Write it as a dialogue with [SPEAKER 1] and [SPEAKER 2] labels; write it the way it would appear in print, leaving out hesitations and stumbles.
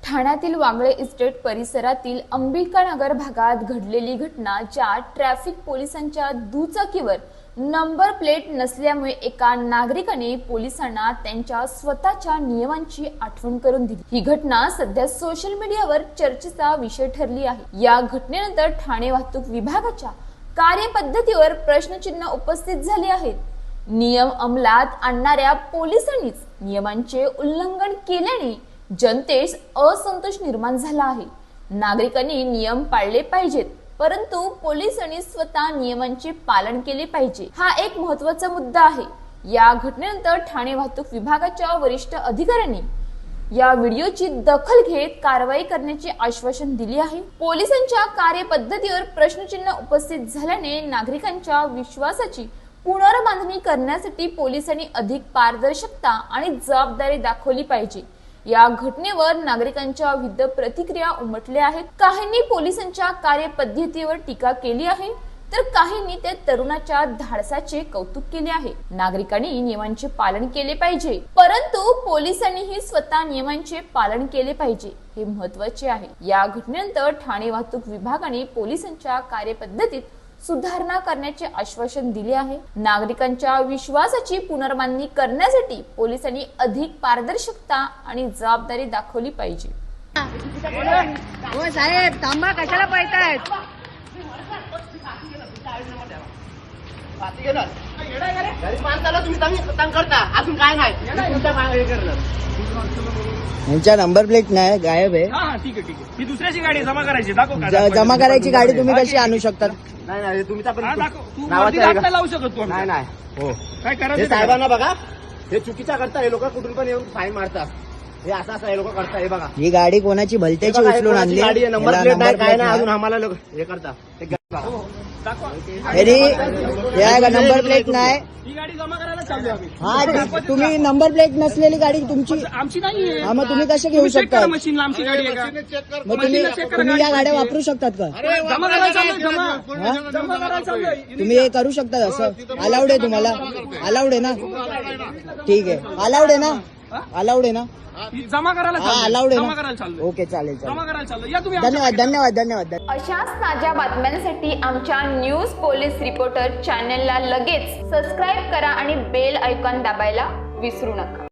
[SPEAKER 1] ठाण्यातील वागळे इस्टेट परिसरातील अंबिकानगर भागात घडलेली घटना, ज्या ट्रॅफिक पोलिसांच्या दुचाकीवर नंबर प्लेट नसल्यामुळे एका नागरिकाने पोलिसांना त्यांच्या स्वतःच्या नियमांची आठवण करून दिली। ही घटना सध्या सोशल मीडियावर चर्चेचा विषय ठरली आहे। या घटनेनंतर ठाणे वाहतूक विभागाच्या कार्यपद्धतीवर प्रश्नचिन्ह उपस्थित झाले आहेत। नियम अंमलात आणणाऱ्या पोलिसांनीच नियमांचे उल्लंघन केल्याने जनतेस असंतोष निर्माण झाला आहे। नागरिकांनी नियम पाळले पाहिजेत, परंतु पोलिसांनी स्वतः नियमांचे पालन केले पाहिजे, हा एक महत्त्वाचा मुद्दा आहे। या घटनेनंतर ठाणे वाहतूक विभागाच्या वरिष्ठ अधिकाऱ्यांनी या व्हिडिओची दखल घेत कारवाई करण्याचे आश्वासन दिले आहे। पोलिसांच्या कार्यपद्धतीवर प्रश्नचिन्ह उपस्थित झाल्याने नागरिकांच्या विश्वासाची पुनर्बांधणी करण्यासाठी पोलिसांनी अधिक पारदर्शकता आणि जबाबदारी दाखवली पाहिजे। या घटनेवर नागरिकांच्या विविध प्रतिक्रिया उमटल्या आहेत। काहींनी पोलिसांच्या कार्यपद्धतीवर टीका केली आहे, तर काहींनी त्या तरुणाच्या धाडसाचे कौतुक केले आहे। नागरिकांनी नियमांचे पालन केले पाहिजे, परंतु पोलिसांनीही स्वतः नियमांचे पालन केले पाहिजे, हे महत्त्वाचे आहे। या घटनेनंतर ठाणे वाहतूक विभागाने पोलिसांच्या कार्यपद्धतीत सुधारणा करण्याचे आश्वासन दिले आहे। नागरिकांच्या विश्वासाची पुनर्बांधणी करण्यासाठी पोलिसांनी अधिक पारदर्शकता आणि जबाबदारी दाखवली पाहिजे।
[SPEAKER 2] हो साहेब, थांबा, कशाला पळतायत?
[SPEAKER 3] यांच्या नंबर प्लेट नाही, गायब आहे।
[SPEAKER 4] ठीक आहे, ठीक आहे। ही दुसऱ्याची गाडी जमा करायची, दाखव
[SPEAKER 3] जमा करायची गाडी तुम्ही कशी आणू शकता?
[SPEAKER 5] नाही तुमचा पण
[SPEAKER 4] दाखव। तू
[SPEAKER 5] नावाचं
[SPEAKER 4] वरती
[SPEAKER 5] आहे
[SPEAKER 4] हात
[SPEAKER 5] का?
[SPEAKER 4] नाही लावू शकत तू.
[SPEAKER 5] नाही हो
[SPEAKER 4] काय
[SPEAKER 5] हे
[SPEAKER 4] करायचं
[SPEAKER 5] साहेबांना बघा, हे चुकीचा करता, हे लोक कुठून पण येऊन फाईन मारतात। हे असं हे लोक करता, हे बघा
[SPEAKER 3] ही गाडी कोणाची भलत्याची उचलून आणली?
[SPEAKER 5] गाडी आहे, नंबर
[SPEAKER 3] याला
[SPEAKER 5] प्लेट नाही,
[SPEAKER 3] नंबर
[SPEAKER 5] काय
[SPEAKER 3] प्लेट
[SPEAKER 5] नाही, अजून
[SPEAKER 3] नाही।
[SPEAKER 5] आम्हाला लोक हे करता
[SPEAKER 3] नंबर प्लेट नाही।
[SPEAKER 4] ही गाडी जमा करायला चालू आम्ही।
[SPEAKER 3] हा, तुम्ही नंबर प्लेट नसलेली गाडी तुमची,
[SPEAKER 4] आमची नाहीये।
[SPEAKER 3] हा, मग तुम्ही कसे घेऊ शकता?
[SPEAKER 4] मशीनला आमची गाडी आहे का?
[SPEAKER 3] मग तुम्ही या गाड्या वापरू शकतात का?
[SPEAKER 4] जमा करायला चालू, जमा
[SPEAKER 3] हा?
[SPEAKER 4] जमा करायला चालू आहे।
[SPEAKER 3] तुम्ही हे करू शकता? असं अलाउड आहे तुम्हाला? अलाउड आहे ना? ठीक आहे, अलाउड आहे ना? अलाउड आहे ना?
[SPEAKER 4] ही जमा करायला
[SPEAKER 3] हा,
[SPEAKER 4] चालू,
[SPEAKER 3] अलाउड आहे
[SPEAKER 4] जमा
[SPEAKER 3] ना?
[SPEAKER 4] करायला चालू,
[SPEAKER 3] ओके, चालेल
[SPEAKER 4] जमा
[SPEAKER 3] चालेल।
[SPEAKER 4] करायला चालू। या तुम्ही आमच्या
[SPEAKER 3] धन्यवाद धन्यवाद धन्यवाद।
[SPEAKER 1] अशाच ताज्या बातम्यांसाठी आमच्या न्यूज पोलीस रिपोर्टर चॅनलला लगेच सबस्क्राईब करा आणि बेल आयकॉन दाबायला विसरू नका।